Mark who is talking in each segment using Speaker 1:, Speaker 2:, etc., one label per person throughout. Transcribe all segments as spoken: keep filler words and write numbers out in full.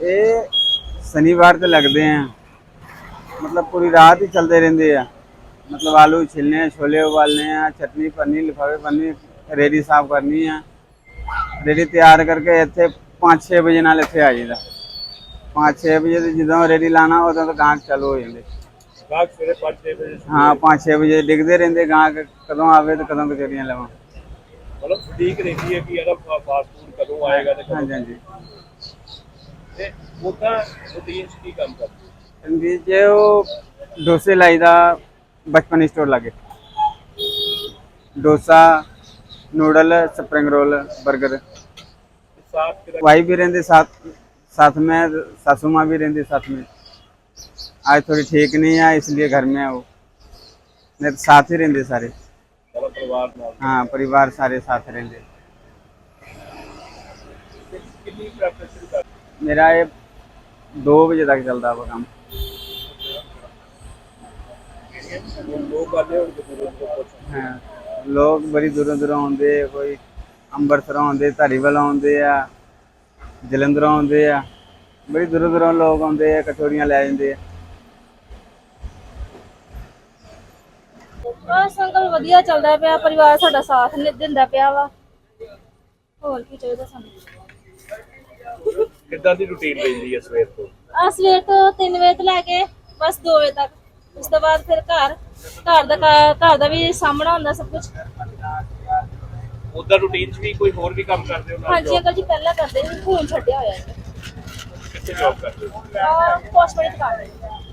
Speaker 1: ਇਹ शनिवार तो लगते हैं, मतलब पूरी रात ही चलते रहते हैं। मतलब आलू छिलने हैं, छोले उबालने हैं, चटनी पन्नी लिफाफे पन्नी, रेडी साफ करनी है। रेडी तैयार करके इतने पाँच छे बजे नाल इतने आ जाइए। पाँच छे बजे जो रेडी लाना उदों तो गाहक चालू हो जाते। हाँ, पाँच छे बजे डिगते रहते गाहक कदों आवे तो कदों कचौरियां लवां।
Speaker 2: मतलब ठीक रहती है कि यार फास्ट फूड कदों आएगा तो
Speaker 1: हाँ जी हाँ जी।
Speaker 2: ਤੇ ਉਹਦਾ ਰੂਟੀਨ ਕੀ ਕੰਮ ਕਰਦੇ
Speaker 1: जी जे वो डोसे लाई दा बचपन स्टोर लगे। Dosa, noodle, spring roll, burger.
Speaker 2: साथ
Speaker 1: वाइफ भी रहते साथ साथ में, सासू माँ भी रहती साथ में। आज थोड़ी ठीक नहीं है इसलिए घर में है वो, नहीं तो साथ ही रहते सारे।
Speaker 2: सारा परिवार ਨਾਲ
Speaker 1: हाँ, परिवार सारे साथ रहते।
Speaker 2: ਕਿੰਨੀ ਪ੍ਰੈਪਰੇਸ਼ਨ ਕਰ
Speaker 1: मेरा ये दो बजे तक चलता है वो काम।
Speaker 2: ਲੋਕ ਆਦੇ ਹੋਣਗੇ ਦੂਰੋਂ ਦੂਰੋਂ ਪੁੱਛਣ
Speaker 1: हाँ, लोग बड़ी दूरों दूरों आते, कोई अंबरसरों आते, धारीवाल आते आ, जलंधरों आते आ, बड़ी दूरों दूरों लोग आते हैं, कचौरियां लै जाते हैं।
Speaker 3: बस अंकल वधिया चलदा पिया, परिवार साडा साथ नहीं दिंदा पिया वा। होर की चाहीदा सानू।
Speaker 2: ਕਿੱਦਾਂ ਦੀ ਰੂਟੀਨ ਰਹਿੰਦੀ ਹੈ ਸਵੇਰ ਤੋਂ
Speaker 3: आ सवेर तो तीन बजे तो लैके बस दो बजे तक, उस तो बाद फिर घर घर दा घर दा भी सामना हुंदा सब कुछ।
Speaker 2: ਉਹਦਾ ਰੂਟੀਨ 'ਚ ਵੀ ਕੋਈ ਹੋਰ ਵੀ ਕੰਮ ਕਰਦੇ ਹੋ
Speaker 3: हाँ जी अंकल जी, पहला करदे सी, हुण छड्डिया होया है।
Speaker 2: ਕਿੱਥੇ ਜੌਬ ਕਰਦੇ ਹੋ
Speaker 3: आ कॉस्मेटिक दुकान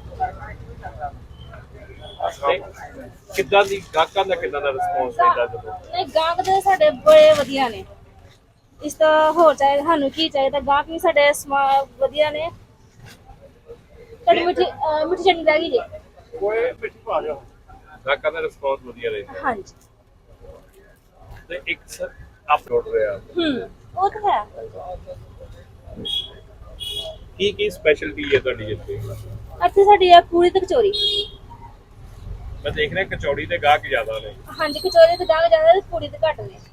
Speaker 2: ਤੇ ਕਿੱਦਾਂ ਦੀ ਗਾਹਕਾਂ ਦਾ ਕਿੱਦਾਂ ਦਾ ਰਿਸਪੌਂਸ ਰਹਿੰਦਾ ਜਦੋਂ
Speaker 3: नहीं, गाहक दे साडे बड़े वधिया ने। इस तो होर चाहिए सानू की चाहिए, गाहक भी साडे वधिया ने। कड़ी मिठी अ, मिठी चटनी रह गई जी।
Speaker 2: ਕੋਈ ਮਿੱਠੀ ਪਾ ਲਿਓ ਗਾਹਕਾਂ ਦਾ ਰਿਸਪੌਂਸ ਵਧੀਆ ਰਹਿੰਦਾ
Speaker 3: हाँ जी।
Speaker 2: ਤੇ ਇੱਕ ਅਪਲੋਡ ਰਿਹਾ
Speaker 3: हम्म, वो तो है।
Speaker 2: ਕੀ ਕੀ ਸਪੈਸ਼ਲਟੀ ਹੈ ਤੁਹਾਡੀ ਇੱਥੇ
Speaker 3: ਇੱਥੇ ਸਾਡੀ ਆ ਪੂਰੀ ਤੇ ਕਚੌਰੀ।
Speaker 2: ਮੈਂ ਦੇਖ ਰਿਹਾ ਕਚੌੜੀ ਦੇ ਗਾਹਕ ਜ਼ਿਆਦਾ ਨੇ
Speaker 3: ਹਾਂਜੀ, ਕਚੌਰੀ ਤੇ ਗਾਹਕ ਜ਼ਿਆਦਾ ਤੇ ਪੂਰੀ ਤੇ ਘੱਟ ਨੇ,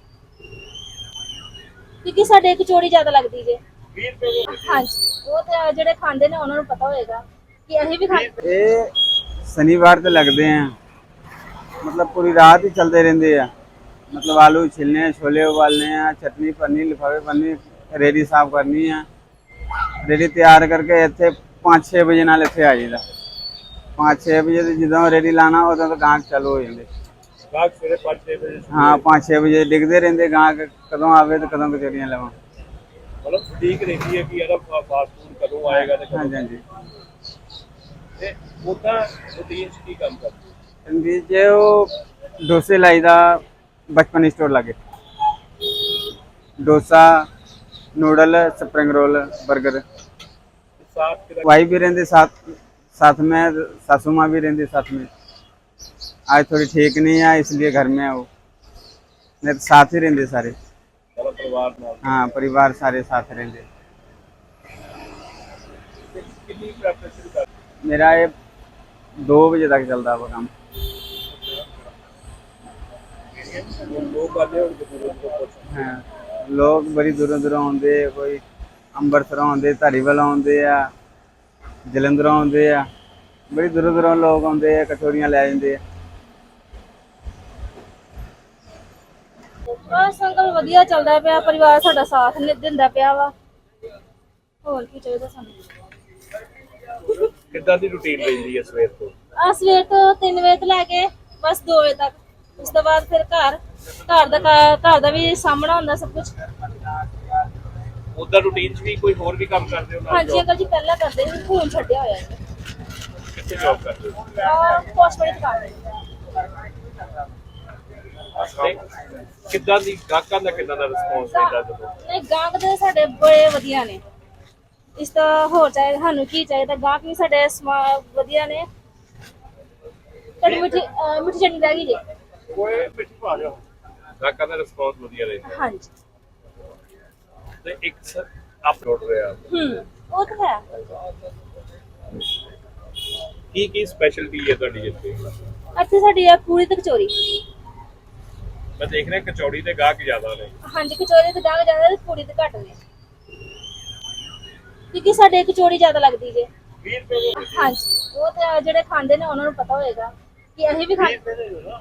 Speaker 3: ਕਿਉਂਕਿ ਸਾਡੇ ਕਚੌੜੀ ਜ਼ਿਆਦਾ ਲੱਗਦੀ ਜੇ।
Speaker 2: ਵੀਹ ਰੁਪਏ ਦੇ
Speaker 3: ਹਾਂਜੀ, ਉਹ ਤੇ ਜਿਹੜੇ ਖਾਂਦੇ ਨੇ ਉਹਨਾਂ ਨੂੰ ਪਤਾ ਹੋਏਗਾ ਕਿ ਅਸੀਂ ਵੀ ਖਾਂਦੇ।
Speaker 1: ये शनिवार तो लगते हैं, मतलब पूरी रात ही चलते रहते हैं। मतलब आलू छिलने हैं, छोले उबालने हैं, चटनी पन्नी लिफाफे पन्नी, रेडी साफ करनी है। रेडी तैयार करके इतने पाँच छे बजे नाल इतने आ जाइए। पाँच छे बजे जो रेडी लाना उदों तो गाहक चालू हो जाते।
Speaker 2: ਗਾਹਕ ਸਵੇਰੇ ਪੰਜ ਛੇ ਵਜੇ
Speaker 1: हाँ, पाँच छे बजे डिगते रहते गाहक कदों आवे तो कदों कचौरियां लवां।
Speaker 2: मतलब ठीक रहती है कि यार फास्ट फूड कदों आएगा तो
Speaker 1: हाँ
Speaker 2: कदों
Speaker 1: जी हाँ जी।
Speaker 2: ਤੇ ਉਹਦਾ ਰੂਟੀਨ 'ਚ ਕੀ ਕੰਮ ਕਰਦੇ
Speaker 1: जी जे वो डोसे लाई दा बचपन स्टोर लगे। Dosa, noodle, spring roll, burger.
Speaker 2: ਸਾਥ ਕਿਹਦਾ
Speaker 1: वाइफ भी रहते साथ साथ में, सासू माँ भी रहती साथ में। आज थोड़ी ठीक नहीं है इसलिए घर में है वो, नहीं तो साथ ही रहते सारे।
Speaker 2: ਸਾਰਾ ਪਰਿਵਾਰ ਨਾਲ
Speaker 1: हाँ, परिवार सारे साथ रहते।
Speaker 2: ਤੇ ਕਿੰਨੀ ਪ੍ਰੈਪਰੇਸ਼ਨ ਕਰ
Speaker 1: मेरा ये दो बजे तक चलता है वो काम।
Speaker 2: ਲੋਕ ਆਦੇ ਹੋਣਗੇ ਦੂਰੋਂ ਦੂਰੋਂ ਪੁੱਛਣ
Speaker 1: हाँ, लोग बड़ी दूरों दूरों आते, कोई अंबरसरों आते, धारीवाल आते आ, जलंधरों आते आ, बड़ी दूरों दूरों लोग आते हैं, कचौरियां लै जाते हैं।
Speaker 3: बस अंकल वधिया चलदा पिया, परिवार साडा साथ नहीं दिंदा पिया वा। होर की चाहीदा सानू।
Speaker 2: ਕਿੱਦਾਂ ਦੀ ਰੂਟੀਨ ਰਹਿੰਦੀ ਹੈ ਸਵੇਰ ਤੋਂ
Speaker 3: आ सवेर तो तीन बजे तो लैके बस दो बजे तक, उस तो बाद फिर घर घर दा घर दा भी सामना हुंदा सब कुछ।
Speaker 2: ਉਹਦਾ ਰੂਟੀਨ 'ਚ ਵੀ ਕੋਈ ਹੋਰ ਵੀ ਕੰਮ ਕਰਦੇ ਹੋ
Speaker 3: हाँ जी अंकल जी, पहला करदे सी, हुण छड्डिया होया है।
Speaker 2: ਕਿੱਥੇ ਜੌਬ ਕਰਦੇ ਹੋ
Speaker 3: आ कॉस्मेटिक दुकान
Speaker 2: ਤੇ ਕਿੱਦਾਂ ਦੀ ਗਾਹਕਾਂ ਦਾ ਕਿੱਦਾਂ ਦਾ ਰਿਸਪੌਂਸ ਰਹਿੰਦਾ ਜਦੋਂ
Speaker 3: नहीं, गाहक दे साडे बड़े वधिया ने। इस तो होर चाहिए सानू की चाहिए, गाहक भी साडे वधिया ने। कड़ी मिठी अ, मिठी चटनी रह गई जी।
Speaker 2: ਕੋਈ ਮਿੱਠੀ ਪਾ ਲਿਓ ਗਾਹਕਾਂ ਦਾ ਰਿਸਪੌਂਸ ਵਧੀਆ ਰਹਿੰਦਾ
Speaker 3: हाँ जी।
Speaker 2: ਤੇ ਇੱਕ ਅਪਲੋਡ ਰਿਹਾ
Speaker 3: हम्म, वो तो है।
Speaker 2: ਕੀ ਕੀ ਸਪੈਸ਼ਲਟੀ ਹੈ ਤੁਹਾਡੀ ਇੱਥੇ
Speaker 3: ਇੱਥੇ ਸਾਡੀ ਆ ਪੂਰੀ ਤੇ ਕਚੌਰੀ।
Speaker 2: ਮੈਂ ਦੇਖ ਰਿਹਾ ਕਚੌੜੀ ਦੇ ਗਾਹਕ ਜ਼ਿਆਦਾ ਨੇ
Speaker 3: ਹਾਂਜੀ, ਕਚੌਰੀ ਤੇ ਗਾਹਕ ਜ਼ਿਆਦਾ ਤੇ ਪੂਰੀ ਤੇ ਘੱਟ ਨੇ, ਕਿਉਂਕਿ ਸਾਡੇ ਕਚੌੜੀ ਜ਼ਿਆਦਾ ਲੱਗਦੀ ਜੇ।
Speaker 2: ਵੀਹ ਰੁਪਏ ਦੇ
Speaker 3: ਹਾਂਜੀ, ਉਹ ਤੇ ਜਿਹੜੇ ਖਾਂਦੇ ਨੇ ਉਹਨਾਂ ਨੂੰ ਪਤਾ ਹੋਏਗਾ ਕਿ ਅਸੀਂ ਵੀ ਖਾ
Speaker 2: ਵੀਹ ਰੁਪਏ ਦੇ ਦਿਓ ਨਾ।